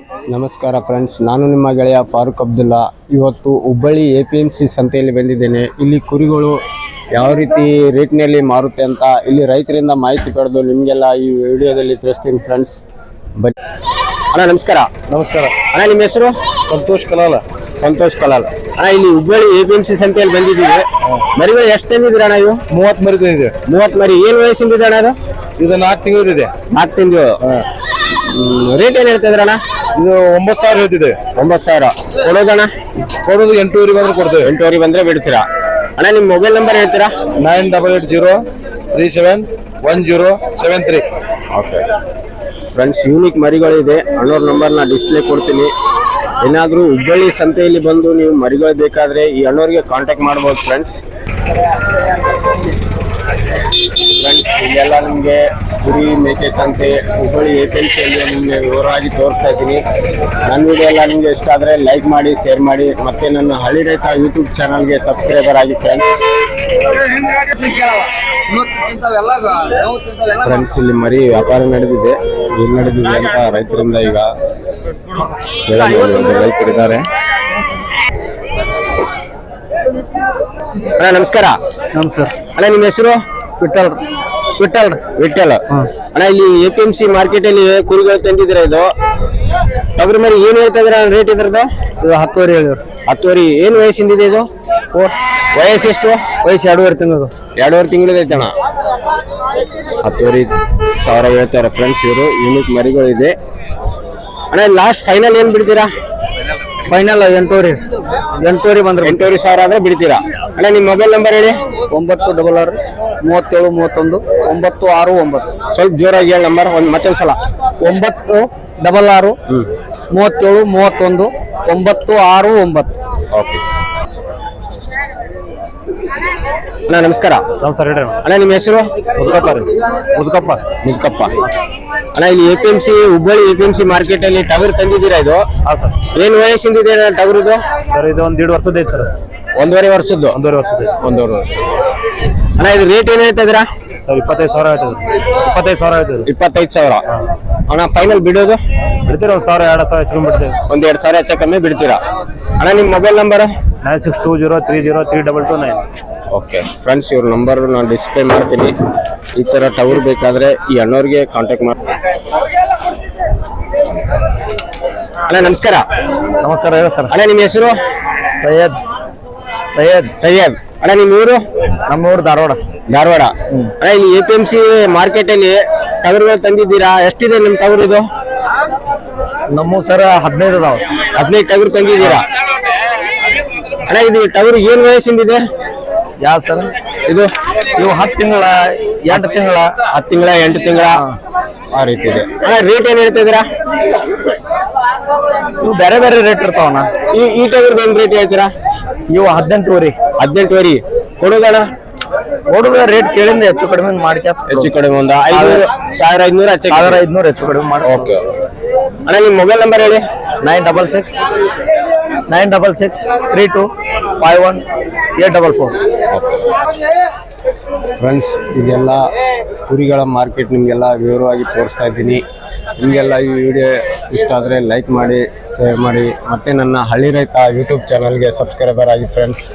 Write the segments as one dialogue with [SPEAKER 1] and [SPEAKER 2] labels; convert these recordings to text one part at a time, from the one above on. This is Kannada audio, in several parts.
[SPEAKER 1] ನಮಸ್ಕಾರ ಫ್ರೆಂಡ್ಸ್, ನಾನು ನಿಮ್ಮ ಗೆಳೆಯ ಫಾರೂಕ್ ಅಬ್ದುಲ್ಲಾ. ಇವತ್ತು ಹುಬ್ಬಳ್ಳಿ APMC ಸಂತೆಯಲ್ಲಿ ಬಂದಿದ್ದೇನೆ. ಇಲ್ಲಿ ಕುರಿಗಳು ಯಾವ ರೀತಿ ರೇಟ್ನಲ್ಲಿ ಮಾರುತ್ತೆ ಅಂತ ಇಲ್ಲಿ ರೈತರಿಂದ ಮಾಹಿತಿ ಪಡೆದು ನಿಮಗೆಲ್ಲ ಈ ವಿಡಿಯೋದಲ್ಲಿ ತಿಳಿಸ್ತೀನಿ ಫ್ರೆಂಡ್ಸ್. ಬನ್ನಿ ಅಣ್ಣ. ನಮಸ್ಕಾರ.
[SPEAKER 2] ನಮಸ್ಕಾರ
[SPEAKER 1] ಅಣ್ಣ, ನಿಮ್ಮ ಹೆಸರು?
[SPEAKER 2] ಸಂತೋಷ್ ಕಲಾಲ.
[SPEAKER 1] ಸಂತೋಷ್ ಕಲಾಲ್. ಅಣ್ಣ, ಇಲ್ಲಿ ಹುಬ್ಬಳ್ಳಿ APMC ಸಂತೆಯಲ್ಲಿ ಬಂದಿದ್ದೀವಿ. ಮರಿಗಳು ಎಷ್ಟು ತಂದಿದ್ದೀರ ಅಣ್ಣ? ಇವು
[SPEAKER 2] 30 ಮರಿ ಇದೆ.
[SPEAKER 1] 30 ಮರಿ. ಏನು ವಯಸ್ಸಿಂದಿದೆ ಅಣ್ಣ?
[SPEAKER 2] ಇದು 4 ತಿಂಗಳಿದೆ.
[SPEAKER 1] 4 ತಿಂಗಳು. ರೇಟ್ ಏನು ಹೇಳ್ತಾ ಇದ್ರಣ್ಣ?
[SPEAKER 2] ಇದು 9,000 ಹೇಳ್ತಿದೆ.
[SPEAKER 1] 9,000 ಕೊಡೋದಣ್ಣ?
[SPEAKER 2] ಕೊಡೋದು 8,000 ಬಂದ್ರೆ ಕೊಡ್ತೇವೆ.
[SPEAKER 1] 8,000 ಬಂದ್ರೆ ಬಿಡ್ತೀರಾ ಅಣ್ಣ? ನಿಮ್ಮ ಮೊಬೈಲ್ ನಂಬರ್ ಹೇಳ್ತೀರಾ?
[SPEAKER 2] 9880371073.
[SPEAKER 1] ಓಕೆ ಫ್ರೆಂಡ್ಸ್, ಯೂನಿಕ್ ಮರಿಗಳಿದೆ. ಅಣ್ಣವ್ರ ನಂಬರ್ನ ಡಿಸ್ಪ್ಲೇ ಕೊಡ್ತೀನಿ. ಏನಾದರೂ ಹುಬ್ಬಳ್ಳಿ ಸಂತೆಯಲ್ಲಿ ಬಂದು ನೀವು ಮರಿಗಳು ಬೇಕಾದರೆ ಈ ಅಣ್ಣವ್ರಿಗೆ ಕಾಂಟ್ಯಾಕ್ಟ್ ಮಾಡ್ಬೋದು ಫ್ರೆಂಡ್ಸ್. ಇಲ್ಲೆಲ್ಲ ನಿಮಗೆ ಕುರಿ ಮೇಕೆ ಸಂತೆ ಹುಬ್ಬಳ್ಳಿ APMCಯಲ್ಲಿ ನಿಮಗೆ ವಿವರವಾಗಿ ತೋರಿಸ್ತಾ ಇದ್ದೀನಿ. ನನ್ನ ವಿಡಿಯೋ ಎಲ್ಲ ನಿಮಗೆ ಇಷ್ಟ ಆದರೆ ಲೈಕ್ ಮಾಡಿ, ಶೇರ್ ಮಾಡಿ, ಮತ್ತು ನನ್ನ ಹಳ್ಳಿ ರೈತ ಯೂಟ್ಯೂಬ್ ಚಾನಲ್ಗೆ ಸಬ್ಸ್ಕ್ರೈಬರ್ ಆಗಿ ಫ್ರೆಂಡ್ಸ್. ಫ್ರೆಂಡ್ಸ್, ಇಲ್ಲಿ ಮರಿ ವ್ಯಾಪಾರ ನಡೆದಿದೆ. ಏನು ನಡೆದಿದೆ ಅಂತ ರೈತರಿಂದ ಈಗ ರೈತರಿದ್ದಾರೆ. ಅಣ್ಣ ನಮಸ್ಕಾರ.
[SPEAKER 2] ನಮಸ್ಕಾರ
[SPEAKER 1] ಅಣ್ಣ, ನಿಮ್ಮ ಹೆಸರು?
[SPEAKER 2] ವಿಠಲ್.
[SPEAKER 1] ಅಣ್ಣ, ಇಲ್ಲಿ APMC ಮಾರ್ಕೆಟ್ ಅಲ್ಲಿ ಕುರಿಗಳು ತಂದಿದ್ರೆ ಇದು ಟಗರು ಮರಿ ಏನ್ ಹೇಳ್ತಾ ಇದ್ರ ರೇಟ್ ಇದ್ರದ್ದು?
[SPEAKER 2] ಇದು 10,000 ಹೇಳಿದ್ರು.
[SPEAKER 1] 10,000. ಏನು ವಯಸ್ಸಿಂದಿದೆ ಇದು? ವಯಸ್ಸು ಎಷ್ಟು?
[SPEAKER 2] ವಯಸ್ಸು 2.5 ತಿಂಗಳು.
[SPEAKER 1] 2.5 ತಿಂಗಳು ಐತೆ ಅಣ್ಣ. 10,000 ಹೇಳ್ತಾರೆ ಫ್ರೆಂಡ್ಸ್. ಇವರು ಯೂನಿಕ್ ಮರಿಗಳಿದೆ. ಅಣ್ಣ, ಲಾಸ್ಟ್ ಫೈನಲ್ ಏನ್ ಬಿಡ್ತೀರಾ?
[SPEAKER 2] ಫೈನಲ್ 8,000 ಬಂದ್ರೆ
[SPEAKER 1] 8,000 ಆದ್ರೆ ಬಿಡ್ತೀರಾ ಅಣ್ಣ? ನಿಮ್ಮ ಮೊಬೈಲ್ ನಂಬರ್ ಹೇಳಿ.
[SPEAKER 2] 966 37 31 969.
[SPEAKER 1] ಸ್ವಲ್ಪ ಜೋರಾಗಿ ಹೇಳಿ ನಂಬರ್ ಮತ್ತೊಂದ್ಸಲ.
[SPEAKER 2] 966 37 31 969.
[SPEAKER 1] ಓಕೆ ಅಣ್ಣ ನಮಸ್ಕಾರ.
[SPEAKER 2] ನಮಸ್ಕಾರ ಹೇಳಿ
[SPEAKER 1] ಅಣ್ಣ, ನಿಮ್ಮ ಹೆಸರು?
[SPEAKER 2] ಮುದ್ಕಪ್ಪ.
[SPEAKER 1] ಅಣ್ಣ, ಇಲ್ಲಿ APMC ಹುಬ್ಬಳ್ಳಿ APMC ಮಾರ್ಕೆಟ್ ಅಲ್ಲಿ ಟಗರ್ ತಂದಿದ್ದೀರಾ ಇದು?
[SPEAKER 2] ಹಾಂ ಸರ್.
[SPEAKER 1] ಏನು ವಯಸ್ಸಿಂದಿದೆ ಟಗರ್ ಇದು?
[SPEAKER 2] ಸರ್ ಇದು 1.5 ವರ್ಷದ ಐತೆ ಸರ್.
[SPEAKER 1] 1.5 ವರ್ಷದ್ದು.
[SPEAKER 2] 1.5 ವರ್ಷದ.
[SPEAKER 1] 1.5 ವರ್ಷ. ಅಣ್ಣ, ಇದು ರೇಟ್ ಏನ್ ಹೇಳ್ತಾ ಇದ್ದೀರಾ?
[SPEAKER 2] ಸರ್ 25,000 ಹೇಳ್ತಿದ್ರು. 25,000 ಹೇಳ್ತಿದ್ರು.
[SPEAKER 1] 25,000. ಅಣ್ಣ, ಫೈನಲ್ ಬಿಡೋದು?
[SPEAKER 2] ಬಿಡ್ತೀರ 1,000 2,000 ಹೆಚ್ಚು ಬಿಡ್ತೀವಿ.
[SPEAKER 1] 1,000 ಹೆಚ್ಚು ಕಮ್ಮಿ ಬಿಡ್ತೀರಾ ಅಣ್ಣ? ನಿಮ್ಮ ಮೊಬೈಲ್ ನಂಬರ್?
[SPEAKER 2] 9620302229.
[SPEAKER 1] ಓಕೆ ಫ್ರೆಂಡ್ಸ್, ಇವ್ರ ನಂಬರ್ ನಾನು ಡಿಸ್ಪ್ಲೇ ಮಾಡ್ತೀನಿ. ಈ ಥರ ಟವರ್ ಬೇಕಾದರೆ ಈ ಅಣ್ಣವ್ರಿಗೆ ಕಾಂಟ್ಯಾಕ್ಟ್ ಮಾಡಿ. ಅಣ್ಣ ನಮಸ್ಕಾರ.
[SPEAKER 2] ನಮಸ್ಕಾರ ಹೇಳಿ ಸರ್.
[SPEAKER 1] ಅಣ್ಣ, ನಿಮ್ಮ ಹೆಸರು?
[SPEAKER 2] ಸೈಯದ್.
[SPEAKER 1] ಅಣ್ಣ, ನಿಮ್ಮ ಊರು?
[SPEAKER 2] ನಮ್ಮ ಊರು ಧಾರವಾಡ.
[SPEAKER 1] ಅಣ್ಣ, ಇಲ್ಲಿ APMC ಮಾರ್ಕೆಟ್ ಅಲ್ಲಿ ಟಗರ್ಗಳು ತಂದಿದ್ದೀರಾ? ಎಷ್ಟಿದೆ ನಿಮ್ಮ ಟಗರ್ ಇದು?
[SPEAKER 2] ನಮ್ಮ ಸರ್ 15 ಅದಾವ.
[SPEAKER 1] 15 ಟಗರ್ ತಂದಿದ್ದೀರಾ ಅಣ್ಣ? ಇದು ಟಗರ್ ಏನ್ ವಯಸ್ಸಿಂದಿದೆ?
[SPEAKER 2] ಯಾವ ಸರ್
[SPEAKER 1] ಇದು?
[SPEAKER 2] ಇವು 10 ತಿಂಗಳ 8 ತಿಂಗಳ
[SPEAKER 1] 10 ತಿಂಗಳ 8 ತಿಂಗಳ ಆ ರೀತಿ ಇದೆ ಅಣ್ಣ. ರೇಟ್ ಏನ್ ಹೇಳ್ತಾ ಇದ್ದೀರಾ?
[SPEAKER 2] ಇವು ಬೇರೆ ಬೇರೆ ರೇಟ್ ಇರ್ತಾವಣ್ಣ.
[SPEAKER 1] ಈ ಟಗರ್ದು ಏನ್ ರೇಟ್ ಹೇಳ್ತೀರಾ?
[SPEAKER 2] ಇವು 18,000.
[SPEAKER 1] 18,000 ಕೊಡೋದಣ್ಣ?
[SPEAKER 2] ನೋಡುವ ರೇಟ್ ಕೇಳಿಂದ ಹೆಚ್ಚು ಕಡಿಮೆ ಮಾಡಿ
[SPEAKER 1] ಹೆಚ್ಚು ಕಡಿಮೆ ಒಂದು 1,500
[SPEAKER 2] ಹೆಚ್ಚು ಕಡಿಮೆ ಮಾಡಿ.
[SPEAKER 1] ಓಕೆ ಅಣ್ಣ, ನಿಮ್ಮ ಮೊಬೈಲ್ ನಂಬರ್ ಹೇಳಿ.
[SPEAKER 2] 966325184.
[SPEAKER 1] ಫ್ರೆಂಡ್ಸ್, ಇದೆಲ್ಲ ಕುರಿಗಳ ಮಾರ್ಕೆಟ್ ನಿಮಗೆಲ್ಲ ವಿವರವಾಗಿ ತೋರಿಸ್ತಾ ಇದ್ದೀನಿ. ನಿಮಗೆಲ್ಲ ಈ ವಿಡಿಯೋ ಇಷ್ಟ ಆದರೆ ಲೈಕ್ ಮಾಡಿ, ಶೇರ್ ಮಾಡಿ, ಮತ್ತು ನನ್ನ ಹಳ್ಳಿ ರೈತ ಯೂಟ್ಯೂಬ್ ಚಾನಲ್ಗೆ ಸಬ್ಸ್ಕ್ರೈಬರ್ ಆಗಿ ಫ್ರೆಂಡ್ಸ್.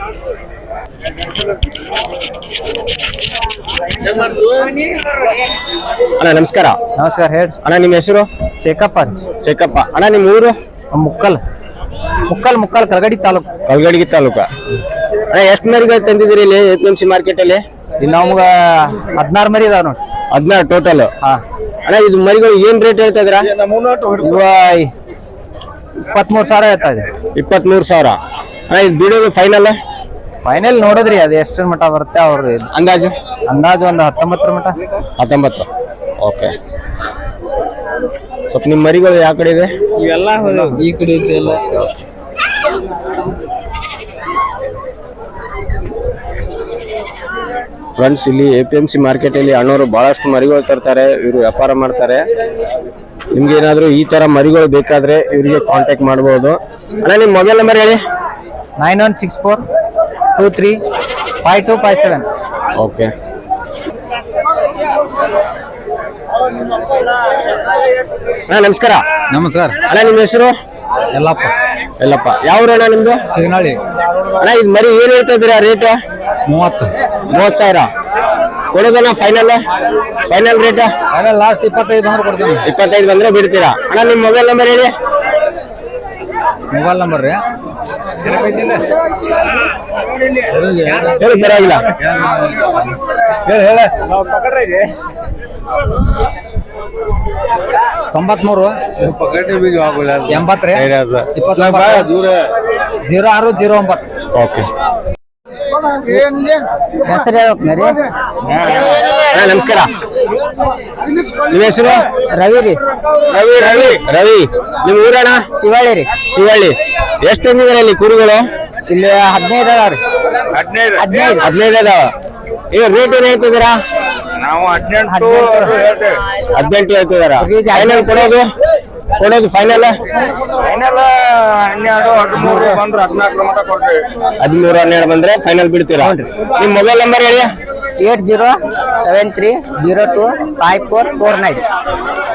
[SPEAKER 1] ಅಣ್ಣ ನಮಸ್ಕಾರ.
[SPEAKER 2] ನಮಸ್ಕಾರ ಹೇಳಿ
[SPEAKER 1] ಅಣ್ಣ, ನಿಮ್ಮ ಹೆಸರು?
[SPEAKER 2] ಶೇಖಪ್ಪ.
[SPEAKER 1] ಅಣ್ಣ, ನಿಮ್ಮ ಊರು?
[SPEAKER 2] ಮುಕ್ಕಲ್ ಕಲ್ಗಡಿ ತಾಲೂಕು.
[SPEAKER 1] ಅಣ್ಣ, ಎಷ್ಟು ಮರಿಗಳು ತಂದಿದ್ದೀರಿ ಇಲ್ಲಿ APMC ಮಾರ್ಕೆಟ್ ಅಲ್ಲಿ?
[SPEAKER 2] ಇಲ್ಲಿ ನಮ್ಗೆ 16 ಮರಿ ಇದಾವ ನೋಡಿ.
[SPEAKER 1] 16 ಟೋಟಲ್. ಅಣ್ಣ, ಇದು ಮರಿಗಳು ಏನ್ ರೇಟ್ ಹೇಳ್ತಾ ಇದ್ದೀರಾ?
[SPEAKER 2] ಇವ 23,000 ಹೇಳ್ತಾ ಇದೆ.
[SPEAKER 1] 23,000. ಅಣ್ಣ, ಇದು ಬಿಡೋದು ಫೈನಲ್
[SPEAKER 2] ನೋಡಿದ್ರಿ ಅದು ಎಷ್ಟರ ಮಟ್ಟ ಬರುತ್ತೆ ಅವ್ರದ್ದು
[SPEAKER 1] ಅಂದಾಜು?
[SPEAKER 2] ಒಂದು 19 ಮಟ್ಟ.
[SPEAKER 1] 19. ಓಕೆ. ಸ್ವಲ್ಪ ನಿಮ್ಮ ಮರಿಗಳು ಯಾವ ಕಡೆ ಇದೆ?
[SPEAKER 2] ಇವೆಲ್ಲ ಈ ಕಡೆ ಇದೆ ಎಲ್ಲ.
[SPEAKER 1] ಫ್ರೆಂಡ್ಸ್, ಇಲ್ಲಿ APMC ಮಾರ್ಕೆಟ್ ಅಲ್ಲಿ ಅಣ್ಣವರು ಬಹಳಷ್ಟು ಮರಿಗಳು ತರ್ತಾರೆ. ಇವರು ವ್ಯಾಪಾರ ಮಾಡ್ತಾರೆ. ನಿಮ್ಗೆ ಏನಾದ್ರು ಈ ತರ ಮರಿಗಳು ಬೇಕಾದ್ರೆ ಇವರಿಗೆ ಕಾಂಟ್ಯಾಕ್ಟ್ ಮಾಡಬಹುದು. ಅಣ್ಣ, ನಿಮ್ಮ ಮೊಬೈಲ್ ನಂಬರ್ ಹೇಳಿ.
[SPEAKER 2] 9164235257.
[SPEAKER 1] ಓಕೆ ನಮಸ್ಕಾರ.
[SPEAKER 2] ನಮಸ್ಕಾರ.
[SPEAKER 1] ಅಣ್ಣ ನಿಮ್ಮ ಹೆಸರು?
[SPEAKER 2] ಎಲ್ಲಪ್ಪ.
[SPEAKER 1] ಎಲ್ಲಪ್ಪ. ಯಾವ ಅಣ್ಣ ನಿಮ್ದು?
[SPEAKER 2] ಸಿಗ್ನಾಳಿ.
[SPEAKER 1] ಅಣ್ಣ ಇದು ಮರಿ ಏನ್ ಹೇಳ್ತಾ ಇದ್ದೀರಾ ರೇಟ್? 30,000 ಕೊಡೋದಣ್ಣ ಫೈನಲ್ ರೇಟ್?
[SPEAKER 2] ಲಾಸ್ಟ್ 25 ಬಂದ್ರೆ ಕೊಡ್ತೀನಿ.
[SPEAKER 1] 25 ಬಂದ್ರೆ ಬಿಡ್ತೀರಾ? ಅಣ್ಣ ನಿಮ್ಮ ಮೊಬೈಲ್ ನಂಬರ್ ಹೇಳಿ.
[SPEAKER 2] ಮೊಬೈಲ್ ನಂಬರ್ ರೀ
[SPEAKER 1] ಹೇಳಿ ಪರವಾಗಿಲ್ಲ. ಹೇಳ
[SPEAKER 2] 93 80 ರೀ 0609.
[SPEAKER 1] ಓಕೆ.
[SPEAKER 2] ಹೆಸರು ಹೇಳ್ಬೇಕ್ರಿ.
[SPEAKER 1] ಅಣ್ಣ ನಮಸ್ಕಾರ. ನಿಮ್ಮ ಹೆಸರು?
[SPEAKER 2] ರವಿ ರೀ.
[SPEAKER 1] ರವಿ ನಿಮ್ಮ ಊರಣ್ಣ?
[SPEAKER 2] ಶಿವಳ್ಳಿ ರೀ.
[SPEAKER 1] ಶಿವಳ್ಳಿ. ಎಷ್ಟು ತಂದಿದ್ದೀರಾ ಇಲ್ಲಿ ಕುರಿಗಳು?
[SPEAKER 2] ಇಲ್ಲಿ 15 ಅದಾವ ರೀ.
[SPEAKER 1] 15 ಅದಾವ. ಈಗ ರೇಟ್ ಏನ್ ಹೇಳ್ತಿದ್ದೀರಾ?
[SPEAKER 3] ನಾವು 18
[SPEAKER 1] ಹೇಳ್ತಿದಾರ. ಫೈನಲ್ ಕೊಡೋದು ಫೈನಲ್
[SPEAKER 3] 12 13 ಬಂದ್ರೆ 14 ಮಟ ಕೊಡ್ತೀವಿ.
[SPEAKER 1] 13 12 ಬಂದ್ರೆ ಫೈನಲ್ ಬಿಡ್ತೀರಾ? ನಿಮ್ ಮೊಬೈಲ್ ನಂಬರ್ ಹೇಳಿ.
[SPEAKER 2] 8073025449.